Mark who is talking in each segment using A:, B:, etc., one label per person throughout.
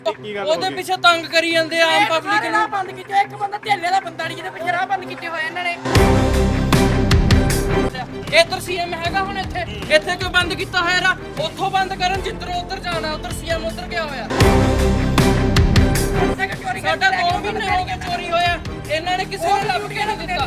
A: ਉਹਦੇ ਪਿੱਛੇ ਤੰਗ ਕਰੀ ਜਾਂਦੇ ਆਮ ਪਬਲਿਕ ਨੂੰ।
B: ਬੰਦ ਕੀਤਾ ਇੱਕ ਬੰਦਾ ਢੇਲੇ ਦਾ ਬੰਦਾ ਨਹੀਂ ਜਿਹਦੇ ਪਿੱਛੇ ਰਾਹ ਬੰਦ ਕੀਤੇ ਹੋਏ ਇਹਨਾਂ ਨੇ।
A: ਇੱਧਰ ਸੀਐਮ ਹੈਗਾ ਹੁਣ ਇੱਥੇ ਕਿਉਂ ਬੰਦ ਕੀਤਾ ਹੋਇਆ ਰਾ? ਉੱਥੋਂ ਬੰਦ ਕਰਨ ਜਿੱਧਰੋਂ ਉੱਧਰ ਜਾਣਾ, ਉੱਧਰ ਸੀਐਮ ਉੱਧਰ ਗਿਆ ਹੋਇਆ। ਸਾਡਾ 2 ਮਹੀਨੇ ਹੋ ਗਏ ਚੋਰੀ ਹੋਇਆ, ਇਹਨਾਂ ਨੇ ਕਿਸੇ ਨੂੰ ਲੱਭ ਕੇ ਨਹੀਂ ਦਿੱਤਾ।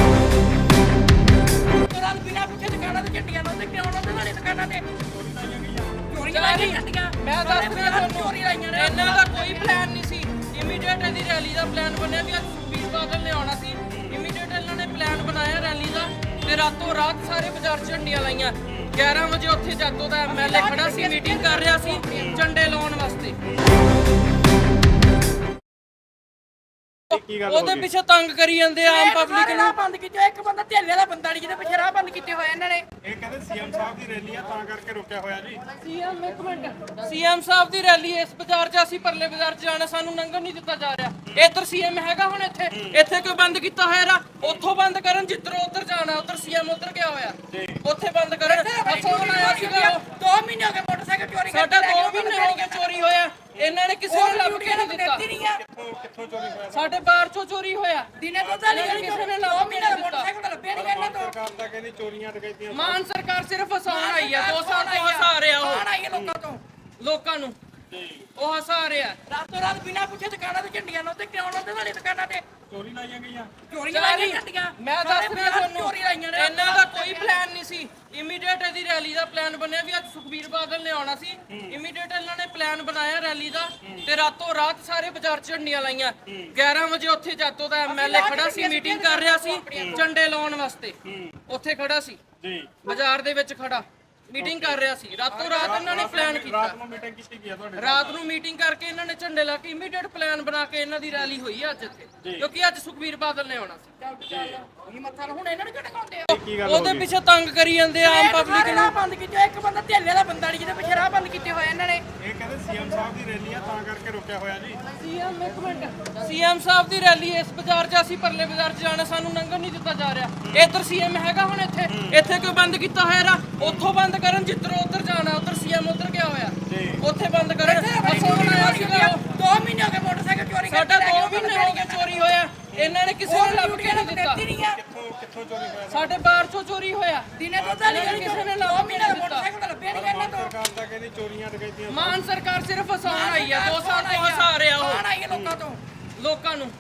B: ਤੁਰੰਤ ਬਿਨਾਂ ਪੁੱਛੇ ਦੁਕਾਨਾਂ ਤੇ ਝੰਡੀਆਂ ਲਾਉਂਦੇ ਕਿਉਂ ਲਾਉਂਦੇ ਤੁਹਾਡੀ ਦੁਕਾਨਾਂ ਤੇ? ਚੋਰੀਆਂ ਲਾਈਆਂ ਝੰਡੀਆਂ।
A: ਮੈਂ ਦੱਸ ਰਿਹਾ ਤੁਹਾਨੂੰ, ਇਹਨਾਂ ਦਾ ਕੋਈ ਪਲਾਨ ਨਹੀਂ ਸੀ। ਇਮੀਡੀਏਟ ਇਹਦੀ ਰੈਲੀ ਦਾ ਪਲਾਨ ਬਣਿਆ ਵੀ ਅੱਜ ਸੁਖਬੀਰ ਬਾਦਲ ਨੇ ਆਉਣਾ ਸੀ। ਇਮੀਡੀਏਟ ਇਹਨਾਂ ਨੇ ਪਲਾਨ ਬਣਾਇਆ ਰੈਲੀ ਦਾ ਤੇ ਰਾਤੋਂ ਰਾਤ ਸਾਰੇ ਬਾਜ਼ਾਰ ਝੰਡੀਆਂ ਲਾਈਆਂ। 11 ਵਜੇ ਉੱਥੇ ਜਾਤੋ ਦਾ ਐਮਐਲਏ ਖੜਾ ਸੀ, ਮੀਟਿੰਗ ਕਰ ਰਿਹਾ ਸੀ ਝੰਡੇ ਲਾਉਣ ਵਾਸਤੇ। ਉਹਦੇ ਪਿੱਛੇ ਤੰਗ ਕਰੀ ਜਾਂਦੇ ਆਮ ਪਬਲਿਕ ਨੂੰ।
B: ਬੰਦ ਕੀਤਾ ਇੱਕ ਬੰਦਾ ਢੇਲੇ ਦਾ ਬੰਦਾ ਨਹੀਂ ਜਿਹਦੇ ਪਿੱਛੇ ਰਾਹ ਬੰਦ ਕੀਤੇ ਹੋਏ ਇਹਨਾਂ ਨੇ।
C: ਇਹ ਕਹਿੰਦੇ ਸੀਐਮ ਸਾਹਿਬ ਦੀ ਰੈਲੀ ਆ ਤਾਂ ਕਰਕੇ ਰੁਕਿਆ ਹੋਇਆ ਜੀ।
A: ਸੀਐਮ ਇੱਕ ਮਿੰਟ, ਸੀਐਮ ਸਾਹਿਬ ਦੀ ਰੈਲੀ ਇਸ ਬਾਜ਼ਾਰ 'ਚ, ਅਸੀਂ ਪਰਲੇ ਬਾਜ਼ਾਰ 'ਚ ਜਾਣਾ, ਸਾਨੂੰ ਲੰਘਣ ਨਹੀਂ ਦਿੱਤਾ ਜਾ ਰਿਹਾ। ਇੱਧਰ ਸੀਐਮ ਹੈਗਾ ਹੁਣ ਇੱਥੇ ਕਿਉਂ ਬੰਦ ਕੀਤਾ ਹੋਇਆ ਰਾ? ਉੱਥੋਂ ਬੰਦ ਕਰਨ ਜਿੱਧਰੋਂ ਉੱਧਰ ਜਾਣਾ, ਉੱਧਰ ਸੀਐਮ ਉੱਧਰ ਗਿਆ ਹੋਇਆ। ਉੱਥੇ ਬੰਦ ਕਰਨ। ਅੱਛਾ ਬਣਾਇਆ ਸੀਗਾ
B: 2 ਮਹੀਨੇ ਹੋ ਗਏ ਮੋਟਰਸਾਈਕਲ ਚੋਰੀ ਕਰਦੇ।
A: ਸਾਡਾ 2 ਮਹੀਨੇ ਹੋ ਗਏ ਚੋਰੀ ਹੋਇਆ, ਇਹਨਾਂ ਨੇ ਕਿਸੇ ਨੂੰ ਲੱਭ ਕੇ ਨਹੀਂ ਦਿੱਤਾ।
C: ਕਿੱਥੋਂ ਚੋਰੀ ਹੋਇਆ?
A: ਸਾਡੇ ਬਾਹਰ ਚੋਂ ਚੋਰੀ ਹੋਇਆ।
B: ਦਿਨੇ ਤੋਂ ਤਾਂ ਨਹੀਂ
A: ਕਿਸੇ ਨੇ
B: 2
A: ਲੱਭ ਕੇ
B: ਮਹੀਨੇ
A: ਨਹੀਂ
B: ਦਾ
A: ਦਿੱਤਾ।
B: ਮੋਟਰਸਾਈਕਲ ਲੱਭਿਆ ਨਹੀਂ ਇਹਨਾਂ ਤੋਂ।
C: ਸਰਕਾਰ ਤਾਂ ਕਹਿੰਦੀ ਚੋਰੀਆਂ ਡਕੈਤੀਆਂ।
A: ਮਾਨ ਸਰਕਾਰ ਸਿਰਫ ਹਸਾਉਣ ਆਈ ਆ, 2 ਸਾਲ ਤੋਂ ਹਸਾ ਰਿਹਾ
B: ਕੌਣ ਆਈ ਹੈ
A: ਲੋਕਾਂ ਨੂੰ ਉਹ ਹਸਾ ਰਿਹਾ।
B: ਰਾਤੋਂ ਰਾਤ ਬਿਨਾਂ ਪੁੱਛੇ ਦੁਕਾਨਾਂ ਤੇ ਝੰਡੀਆਂ ਲਾਉਂਦੇ ਕਿਉਂ ਲਾਉਂਦੇ ਤੁਹਾਡੀ ਦੁਕਾਨਾਂ ਤੇ?
C: ਚੋਰੀ ਲਾਈਆਂ ਗਈਆਂ।
B: ਚੋਰੀਆਂ ਲਾਈਆਂ ਝੰਡੀਆਂ।
A: ਮੈਂ ਦੱਸ ਰਿਹਾ ਤੁਹਾਨੂੰ,
B: ਚੋਰੀ ਲਾਈਆਂ ਨੇ।
A: ਇਹਨਾਂ ਦਾ ਕੋਈ ਪਲਾਨ ਨਹੀਂ ਸੀ। ਇਮੀਡੀਏਟ ਇਹਦੀ ਰੈਲੀ ਦਾ ਪਲਾਨ ਬਣਿਆ ਵੀ ਅੱਜ ਸੁਖਬੀਰ ਬਾਦਲ ਨੇ ਆਉਣਾ ਸੀ। ਇਮੀਡੀਏਟ ਇਹਨਾਂ ਨੇ ਪਲਾਨ ਬਣਾਇਆ ਰੈਲੀ ਦਾ ਤੇ ਰਾਤੋਂ ਰਾਤ ਸਾਰੇ ਬਾਜ਼ਾਰ ਝੰਡੀਆਂ ਲਾਈਆਂ। 11 ਵਜੇ ਉੱਥੇ ਜਾਤੋ ਦਾ ਐਮਐਲਏ ਖੜਾ ਸੀ, ਮੀਟਿੰਗ ਕਰ ਰਿਹਾ ਸੀ ਝੰਡੇ ਲਾਉਣ ਵਾਸਤੇ। ਉੱਥੇ ਖੜਾ ਸੀ
C: ਜੀ,
A: ਬਾਜ਼ਾਰ ਦੇ ਵਿੱਚ ਖੜਾ ਮੀਟਿੰਗ ਕਰ ਰਿਹਾ ਸੀ। ਰਾਤੋਂ ਰਾਤ ਇਹਨਾਂ ਨੇ ਪਲਾਨ ਕੀਤਾ।
C: ਰਾਤ ਨੂੰ ਮੀਟਿੰਗ ਕੀਤੀ ਗਈ ਆ ਤੁਹਾਡੇ?
A: ਰਾਤ ਨੂੰ ਮੀਟਿੰਗ ਕਰਕੇ ਇਹਨਾਂ ਨੇ ਝੰਡੇ ਲਾ ਕੇ ਇਮੀਡੀਏਟ ਪਲਾਨ ਬਣਾ ਕੇ ਇਹਨਾਂ ਦੀ ਰੈਲੀ ਹੋਈ ਆ ਅੱਜ ਇੱਥੇ, ਕਿਉਂਕਿ ਅੱਜ ਸੁਖਬੀਰ ਬਾਦਲ ਨੇ ਆਉਣਾ ਸੀ।
B: ਇਹ ਮੱਥਾ ਹੁਣ ਇਹਨਾਂ ਨੂੰ ਕਿਹੜੇ ਕਾਉਂਦੇ ਆ?
A: ਉਹਦੇ ਪਿੱਛੇ ਤੰਗ ਕਰੀ ਜਾਂਦੇ ਆਮ ਪਬਲਿਕ ਨੂੰ।
B: ਰਾਹ ਬੰਦ ਕੀਤਾ ਇੱਕ ਬੰਦਾ ਢੇਲੇ ਦਾ ਬੰਦਾ ਨਹੀਂ ਜਿਹਦੇ ਪਿੱਛੇ ਰਾਹ ਬੰਦ ਕੀਤੇ ਹੋਏ ਇਹਨਾਂ ਨੇ।
C: ਇਹ ਕਹਿੰਦੇ ਸੀਐਮ ਸਾਹਿਬ ਦੀ ਰੈਲੀ ਆ ਤਾਂ ਕਰਕੇ ਰੁਕਿਆ ਹੋਇਆ ਜੀ।
A: ਸੀਐਮ ਇੱਕ ਮਿੰਟ, ਸੀਐਮ ਸਾਹਿਬ ਦੀ ਰੈਲੀ ਇਸ ਬਾਜ਼ਾਰ 'ਚ, ਅਸੀਂ ਪਰਲੇ ਬਾਜ਼ਾਰ 'ਚ ਜਾਣਾ, ਸਾਨੂੰ ਲੰਘਣ ਨਹੀਂ ਦਿੱਤਾ ਜਾ ਰਿਹਾ। ਇੱਧਰ ਸੀਐਮ ਹੈਗਾ ਹੁਣ ਇੱਥੇ ਕਿਉਂ ਬੰਦ ਕੀਤਾ ਹੋਇਆ ਰਾ? ਉੱਥੋਂ ਬੰਦ ਕਰਨ ਜਿੱਧਰੋਂ ਉੱਧਰ ਜਾਣਾ, ਉੱਧਰ ਸੀਐਮ ਉੱਧਰ ਗਿਆ ਹੋਇਆ। ਉੱਥੇ ਬੰਦ ਕਰਨ। ਅੱਛਾ ਬਣਾਇਆ ਸੀਗਾ
B: 2 ਮਹੀਨੇ ਹੋ ਗਏ ਮੋਟਰਸਾਈਕਲ ਚੋਰੀ ਕਰਦੇ।
A: ਸਾਡਾ 2 ਮਹੀਨੇ ਹੋ ਗਏ ਚੋਰੀ ਹੋਇਆ, ਇਹਨਾਂ ਨੇ ਕਿਸੇ ਨੂੰ ਲੱਭ ਕੇ ਨਹੀਂ ਦਿੱਤਾ।
C: ਕਿੱਥੋਂ ਚੋਰੀ ਹੋਇਆ?
A: ਸਾਡੇ ਬਾਹਰ ਚੋਂ ਚੋਰੀ ਹੋਇਆ।
B: ਦਿਨੇ ਤੋਂ ਤਾਂ ਨਹੀਂ
A: ਕਿਸੇ ਨੇ
B: 2
A: ਲੱਭ ਕੇ
B: ਮਹੀਨੇ ਦਾ
A: ਨਹੀਂ ਦਿੱਤਾ।
B: ਮੋਟਰਸਾਈਕਲ ਲੱਭਿਆ ਨਹੀਂ ਇਹਨਾਂ ਤੋਂ।
C: ਸਰਕਾਰ ਤਾਂ ਕਹਿੰਦੀ ਚੋਰੀਆਂ ਡਕੈਤੀਆਂ।
A: ਮਾਨ ਸਰਕਾਰ ਸਿਰਫ ਹਸਾਉਣ ਆਈ ਆ, 2 ਸਾਲ ਤੋਂ ਹਸਾ ਰਿਹਾ
B: ਕੌਣ ਆਈ ਹੈ
A: ਲੋਕਾਂ ਨੂੰ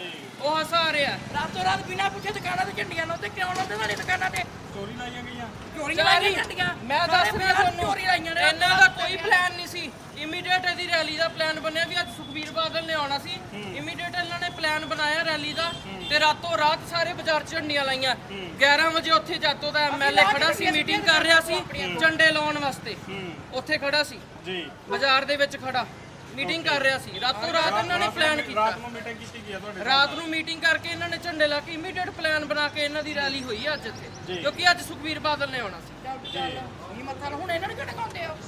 A: ਉਹ ਹਸਾ ਰਿਹਾ।
B: ਰਾਤੋਂ ਰਾਤ ਬਿਨਾਂ ਪੁੱਛੇ ਦੁਕਾਨਾਂ ਤੇ ਝੰਡੀਆਂ ਲਾਉਂਦੇ ਕਿਉਂ ਲਾਉਂਦੇ ਤੁਹਾਡੀ ਦੁਕਾਨਾਂ ਤੇ?
C: ਚੋਰੀ ਲਾਈਆਂ ਗਈਆਂ।
B: ਚੋਰੀਆਂ ਲਾਈਆਂ ਝੰਡੀਆਂ।
A: ਮੈਂ ਦੱਸ ਰਿਹਾ ਤੁਹਾਨੂੰ,
B: ਚੋਰੀ ਲਾਈਆਂ ਨੇ।
A: ਇਹਨਾਂ ਦਾ ਕੋਈ ਪਲਾਨ ਨਹੀਂ ਸੀ। ਇਮੀਡੀਏਟ ਇਹਦੀ ਰੈਲੀ ਦਾ ਪਲਾਨ ਬਣਿਆ ਵੀ ਅੱਜ ਸੁਖਬੀਰ ਬਾਦਲ ਨੇ ਆਉਣਾ ਸੀ। ਇਮੀਡੀਏਟ ਇਹਨਾਂ ਨੇ ਪਲਾਨ ਬਣਾਇਆ ਰੈਲੀ ਦਾ ਤੇ ਰਾਤੋਂ ਰਾਤ ਸਾਰੇ ਬਾਜ਼ਾਰ ਝੰਡੀਆਂ ਲਾਈਆਂ। 11 ਵਜੇ ਉੱਥੇ ਜਾਤੋ ਦਾ ਐਮਐਲਏ ਖੜਾ ਸੀ, ਮੀਟਿੰਗ ਕਰ ਰਿਹਾ ਸੀ ਝੰਡੇ ਲਾਉਣ ਵਾਸਤੇ। ਉੱਥੇ ਖੜਾ ਸੀ
C: ਜੀ,
A: ਬਾਜ਼ਾਰ ਦੇ ਵਿੱਚ ਖੜਾ ਮੀਟਿੰਗ ਕਰ ਰਿਹਾ ਸੀ। ਰਾਤੋਂ ਰਾਤ ਇਹਨਾਂ ਨੇ ਪਲਾਨ ਕੀਤਾ।
C: ਰਾਤ ਨੂੰ ਮੀਟਿੰਗ ਕੀਤੀ ਗਈ ਆ ਤੁਹਾਡੇ?
A: ਰਾਤ ਨੂੰ ਮੀਟਿੰਗ ਕਰਕੇ ਇਹਨਾਂ ਨੇ ਝੰਡੇ ਲਾ ਕੇ ਇਮੀਡੀਏਟ ਪਲਾਨ ਬਣਾ ਕੇ ਇਹਨਾਂ ਦੀ ਰੈਲੀ ਹੋਈ ਆ ਅੱਜ ਇੱਥੇ, ਕਿਉਂਕਿ ਅੱਜ ਸੁਖਬੀਰ ਬਾਦਲ ਨੇ ਆਉਣਾ ਸੀ।
B: ਇਹ ਮੱਥਾ ਹੁਣ ਇਹਨਾਂ ਨੂੰ ਕਿਹੜੇ ਕਾਉਂਦੇ ਆ?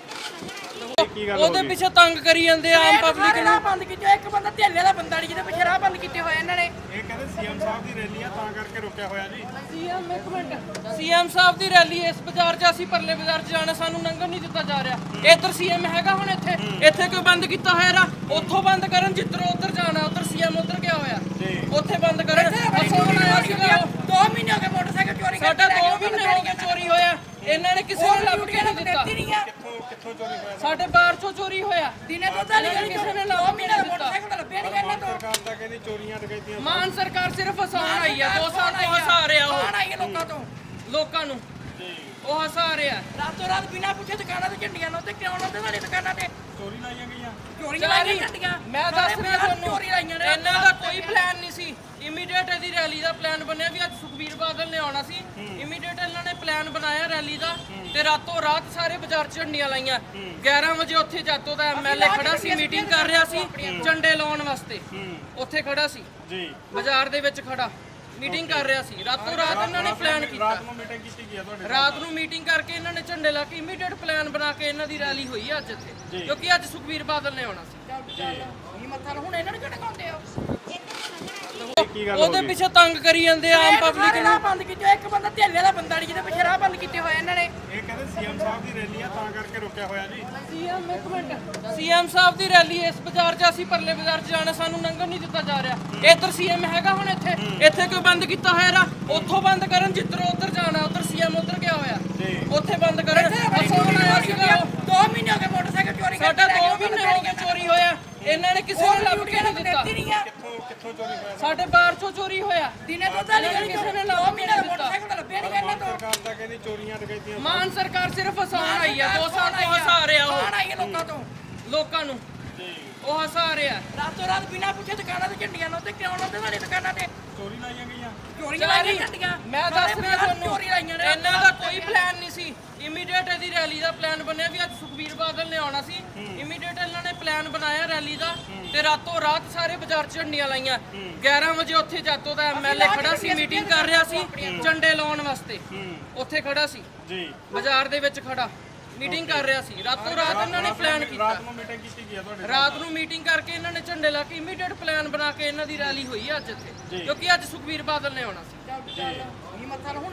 A: ਉਹਦੇ ਪਿੱਛੇ ਤੰਗ ਕਰੀ ਜਾਂਦੇ ਆਮ ਪਬਲਿਕ ਨੂੰ।
B: ਰਾਹ ਬੰਦ ਕੀਤਾ ਇੱਕ ਬੰਦਾ ਢੇਲੇ ਦਾ ਬੰਦਾ ਨਹੀਂ ਜਿਹਦੇ ਪਿੱਛੇ ਰਾਹ ਬੰਦ ਕੀਤੇ ਹੋਏ ਇਹਨਾਂ ਨੇ।
C: ਇਹ ਕਹਿੰਦੇ ਸੀਐਮ ਸਾਹਿਬ ਦੀ ਰੈਲੀ ਆ ਤਾਂ ਕਰਕੇ ਰੁਕਿਆ ਹੋਇਆ ਜੀ।
A: ਸੀਐਮ ਇੱਕ ਮਿੰਟ, ਸੀਐਮ ਸਾਹਿਬ ਦੀ ਰੈਲੀ ਇਸ ਬਾਜ਼ਾਰ 'ਚ, ਅਸੀਂ ਪਰਲੇ ਬਾਜ਼ਾਰ 'ਚ ਜਾਣਾ, ਸਾਨੂੰ ਲੰਘਣ ਨਹੀਂ ਦਿੱਤਾ ਜਾ ਰਿਹਾ। ਇੱਧਰ ਸੀਐਮ ਹੈਗਾ ਹੁਣ ਇੱਥੇ ਕਿਉਂ ਬੰਦ ਕੀਤਾ ਹੋਇਆ ਰਾ? ਉੱਥੋਂ ਬੰਦ ਕਰਨ ਜਿੱਧਰੋਂ ਉੱਧਰ ਜਾਣਾ, ਉੱਧਰ ਸੀਐਮ ਉੱਧਰ ਗਿਆ ਹੋਇਆ। ਉੱਥੇ ਬੰਦ ਕਰਨ। ਅੱਛਾ ਬਣਾਇਆ ਸੀਗਾ
B: 2 ਮਹੀਨੇ ਹੋ ਗਏ ਮੋਟਰਸਾਈਕਲ ਚੋਰੀ ਕਰਦੇ।
A: ਸਾਡਾ 2 ਮਹੀਨੇ ਹੋ ਗਏ ਚੋਰੀ ਹੋਇਆ, ਇਹਨਾਂ ਨੇ ਕਿਸੇ ਨੂੰ ਲੱਭ ਕੇ ਨਹੀਂ ਦਿੱਤਾ।
C: ਕਿੱਥੋਂ ਚੋਰੀ ਹੋਇਆ?
A: ਸਾਡੇ ਬਾਹਰ ਚੋਂ ਚੋਰੀ ਹੋਇਆ।
B: ਦਿਨੇ ਤੋਂ ਤਾਂ ਨਹੀਂ
A: ਕਿਸੇ ਨੇ
B: 2
A: ਲੱਭ ਕੇ
B: ਮਹੀਨੇ ਦਾ
A: ਨਹੀਂ ਦਿੱਤਾ।
B: ਮੋਟਰਸਾਈਕਲ ਲੱਭਿਆ ਨਹੀਂ ਇਹਨਾਂ ਤੋਂ।
C: ਸਰਕਾਰ ਤਾਂ ਕਹਿੰਦੀ ਚੋਰੀਆਂ ਡਕੈਤੀਆਂ।
A: ਮਾਨ ਸਰਕਾਰ ਸਿਰਫ ਹਸਾਉਣ ਆਈ ਆ, 2 ਸਾਲ ਤੋਂ ਹਸਾ ਰਿਹਾ
B: ਕੌਣ ਆਈ ਹੈ
A: ਲੋਕਾਂ ਨੂੰ ਉਹ ਹਸਾ ਰਿਹਾ।
B: ਰਾਤੋਂ ਰਾਤ ਬਿਨਾਂ ਪੁੱਛੇ ਦੁਕਾਨਾਂ ਤੇ ਝੰਡੀਆਂ ਲਾਉਂਦੇ ਕਿਉਂ ਲਾਉਂਦੇ ਤੁਹਾਡੀ ਦੁਕਾਨਾਂ ਤੇ?
C: ਚੋਰੀ ਲਾਈਆਂ ਗਈਆਂ।
B: ਚੋਰੀਆਂ ਲਾਈਆਂ ਝੰਡੀਆਂ।
A: ਮੈਂ ਦੱਸ ਰਿਹਾ ਤੁਹਾਨੂੰ,
B: ਚੋਰੀ ਲਾਈਆਂ ਨੇ।
A: ਇਹਨਾਂ ਦਾ ਕੋਈ ਪਲਾਨ ਨਹੀਂ ਸੀ। ਇਮੀਡੀਏਟ ਇਹਦੀ ਰੈਲੀ ਦਾ ਪਲਾਨ ਬਣਿਆ ਵੀ ਅੱਜ ਸੁਖਬੀਰ ਬਾਦਲ ਨੇ ਆਉਣਾ ਸੀ। ਇਮੀਡੀਏਟ ਇਹਨਾਂ ਨੇ ਪਲਾਨ ਬਣਾਇਆ ਰੈਲੀ ਦਾ ਤੇ ਰਾਤੋਂ ਰਾਤ ਸਾਰੇ ਬਾਜ਼ਾਰ ਝੰਡੀਆਂ ਲਾਈਆਂ। 11 ਵਜੇ ਉੱਥੇ ਜਾਤੋ ਦਾ ਐਮਐਲਏ ਖੜਾ ਸੀ, ਮੀਟਿੰਗ ਕਰ ਰਿਹਾ ਸੀ ਝੰਡੇ ਲਾਉਣ ਵਾਸਤੇ। ਉੱਥੇ ਖੜਾ ਸੀ
C: ਜੀ,
A: ਬਾਜ਼ਾਰ ਦੇ ਵਿੱਚ ਖੜਾ ਮੀਟਿੰਗ ਕਰ ਰਿਹਾ ਸੀ। ਰਾਤੋਂ ਰਾਤ ਇਹਨਾਂ ਨੇ ਪਲਾਨ ਕੀਤਾ।
C: ਰਾਤ ਨੂੰ ਮੀਟਿੰਗ ਕੀਤੀ ਗਈ ਆ ਤੁਹਾਡੇ?
A: ਰਾਤ ਨੂੰ ਮੀਟਿੰਗ ਕਰਕੇ ਇਹਨਾਂ ਨੇ ਝੰਡੇ ਲਾ ਕੇ ਇਮੀਡੀਏਟ ਪਲਾਨ ਬਣਾ ਕੇ ਇਹਨਾਂ ਦੀ ਰੈਲੀ ਹੋਈ ਆ ਅੱਜ ਇੱਥੇ, ਕਿਉਂਕਿ ਅੱਜ ਸੁਖਬੀਰ ਬਾਦਲ ਨੇ ਆਉਣਾ ਸੀ।
B: ਇਹ ਮੱਥਾ ਹੁਣ ਇਹਨਾਂ ਨੂੰ ਕਿਹੜੇ ਕਾਉਂਦੇ ਆ?
C: ਕੀ ਗੱਲ ਹੋ
A: ਉਹਦੇ
C: ਗਈ?
A: ਪਿੱਛੇ ਤੰਗ ਕਰੀ ਜਾਂਦੇ ਆ ਆਮ ਪਬਲਿਕ
B: ਰਾਹ
A: ਨੂੰ।
B: ਬੰਦ ਕੀਤੇ ਇੱਕ ਬੰਦਾ ਢੇਲੇ ਦਾ ਬੰਦਾ ਨਹੀਂ ਜਿਹਦੇ ਪਿੱਛੇ ਰਾਹ ਬੰਦ ਕੀਤੇ ਹੋਏ ਇਹਨਾਂ ਨੇ।
C: ਇਹ ਕਹਿੰਦੇ ਸੀਐਮ ਸਾਹਿਬ ਦੀ ਰੈਲੀ ਆ ਤਾਂ ਕਰਕੇ ਰੁਕਿਆ ਹੋਇਆ ਜੀ।
A: ਸੀਐਮ ਇੱਕ ਮਿੰਟ, ਸੀਐਮ ਸਾਹਿਬ ਦੀ ਰੈਲੀ ਇਸ ਬਾਜ਼ਾਰ 'ਚ, ਅਸੀਂ ਪਰਲੇ ਬਾਜ਼ਾਰ 'ਚ ਜਾਣਾ, ਸਾਨੂੰ ਲੰਘਣ ਨਹੀਂ ਦਿੱਤਾ ਜਾ ਰਿਹਾ। ਇੱਧਰ ਸੀਐਮ ਹੈਗਾ ਹੁਣ ਇੱਥੇ ਕਿਉਂ ਬੰਦ ਕੀਤਾ ਹੋਇਆ ਰਾ? ਉੱਥੋਂ ਬੰਦ ਕਰਨ ਜਿੱਧਰੋਂ ਉੱਧਰ ਜਾਣਾ, ਉੱਧਰ ਸੀਐਮ ਉੱਧਰ ਗਿਆ ਹੋਇਆ, ਉੱਥੇ ਬੰਦ ਕਰਨ। ਫਸਾਉਣ ਆਇਆ ਸੀਗਾ ਉਹ।
B: 2 ਮਹੀਨੇ ਹੋ ਗਏ ਮੋਟਰਸਾਈਕਲ ਚੋਰੀ
A: ਸਾਡਾ 2 ਮਹੀਨੇ ਹੋ ਗਏ ਚੋਰੀ ਹੋਇਆ, ਇਹਨਾਂ ਨੇ ਕਿਸੇ ਨੂੰ ਲੱਭ ਕੇ ਨਹੀਂ ਦਿੱਤਾ।
B: ਨਹੀਂ ਆ
C: ਕਿੱਥੋਂ ਚੋਰੀ ਹੋਇਆ?
A: ਸਾਡੇ ਬਾਹਰ 'ਚੋਂ ਚੋਰੀ ਹੋਇਆ,
B: ਦਿਨੇ ਤੋਂ ਤਾਂ
A: ਇਹਨਾਂ ਨੇ ਕਿਸੇ ਨੇ
B: 2
A: ਲੱਭ ਕੇ
B: ਮਹੀਨੇ
A: ਨਹੀਂ
B: ਦਾ
A: ਦਿੱਤਾ।
B: ਮੋਟਰਸਾਈਕਲ ਲੱਭਿਆ ਨਹੀਂ ਇਹਨਾਂ ਤੋਂ।
C: ਸਰਕਾਰ ਤਾਂ ਕਹਿੰਦੀ ਚੋਰੀਆਂ ਡਕੈਤੀਆਂ।
A: ਮਾਨ ਸਰਕਾਰ ਸਿਰਫ ਹਸਾਉਣ ਆਈ ਆ, 2 ਸਾਲ ਤੋਂ ਹਸਾ ਰਿਹਾ ਉਹ
B: ਕੌਣ ਆਈ ਹੈ ਲੋਕਾਂ ਤੋਂ?
A: ਲੋਕਾਂ ਨੂੰ, ਉਹ ਹਸਾ ਰਿਹਾ।
B: ਰਾਤੋਂ ਰਾਤ ਬਿਨਾਂ ਪੁੱਛੇ ਦੁਕਾਨਾਂ ਤੇ ਝੰਡੀਆਂ ਲਾਉਂਦੇ, ਕਿਉਂ ਲਾਉਂਦੇ ਤੁਹਾਡੀ ਦੁਕਾਨਾਂ ਤੇ?
C: ਚੋਰੀ ਲਾਈਆਂ ਗਈਆਂ।
B: ਚੋਰੀਆਂ ਲਾਈਆਂ ਝੰਡੀਆਂ।
A: ਮੈਂ ਦੱਸ ਰਿਹਾ ਤੁਹਾਨੂੰ,
B: ਚੋਰੀ ਲਾਈਆਂ ਨੇ।
A: ਇਹਨਾਂ ਦਾ ਕੋਈ ਪਲਾਨ ਨਹੀਂ ਸੀ। ਇਮੀਡੀਏਟ ਇਹਦੀ ਰੈਲੀ ਦਾ ਪਲਾਨ ਬਣਿਆ ਵੀ ਅੱਜ ਸੁਖਬੀਰ ਬਾਦਲ ਨੇ ਆਉਣਾ ਸੀ। ਇਮੀਡੀਏਟ ਇਹਨਾਂ ਨੇ ਪਲਾਨ ਬਣਾਇਆ ਰੈਲੀ ਦਾ, ਤੇ ਰਾਤੋਂ ਰਾਤ ਸਾਰੇ ਬਾਜ਼ਾਰ 'ਚ ਝੰਡੀਆਂ ਲਾਈਆਂ। 11 ਵਜੇ ਉੱਥੇ ਜਾਤੋ ਦਾ ਐਮਐਲਏ ਖੜਾ ਸੀ, ਮੀਟਿੰਗ ਕਰ ਰਿਹਾ ਸੀ ਝੰਡੇ ਲਾਉਣ ਵਾਸਤੇ। ਉੱਥੇ ਖੜਾ ਸੀ
C: ਜੀ।
A: ਬਾਜ਼ਾਰ ਦੇ ਵਿੱਚ ਖੜਾ, ਮੀਟਿੰਗ ਕਰ ਰਿਹਾ ਸੀ। ਰਾਤੋਂ ਰਾਤ ਇਹਨਾਂ ਨੇ ਪਲਾਨ ਕੀਤਾ।
C: ਰਾਤ ਨੂੰ ਮੀਟਿੰਗ ਕੀਤੀ ਗਈ ਆ ਤੁਹਾਡੇ?
A: ਰਾਤ ਨੂੰ ਮੀਟਿੰਗ ਕਰਕੇ ਇਹਨਾਂ ਨੇ ਝੰਡੇ ਲਾ ਕੇ ਇਮੀਡੀਏਟ ਪਲਾਨ ਬਣਾ ਕੇ ਇਹਨਾਂ ਦੀ ਰੈਲੀ ਹੋਈ ਆ ਅੱਜ ਇੱਥੇ, ਕਿਉਂਕਿ ਅੱਜ ਸੁਖਬੀਰ ਬਾਦਲ ਨੇ ਆਉਣਾ ਸੀ।
B: ਇਹ ਮੱਥਾ ਨਾ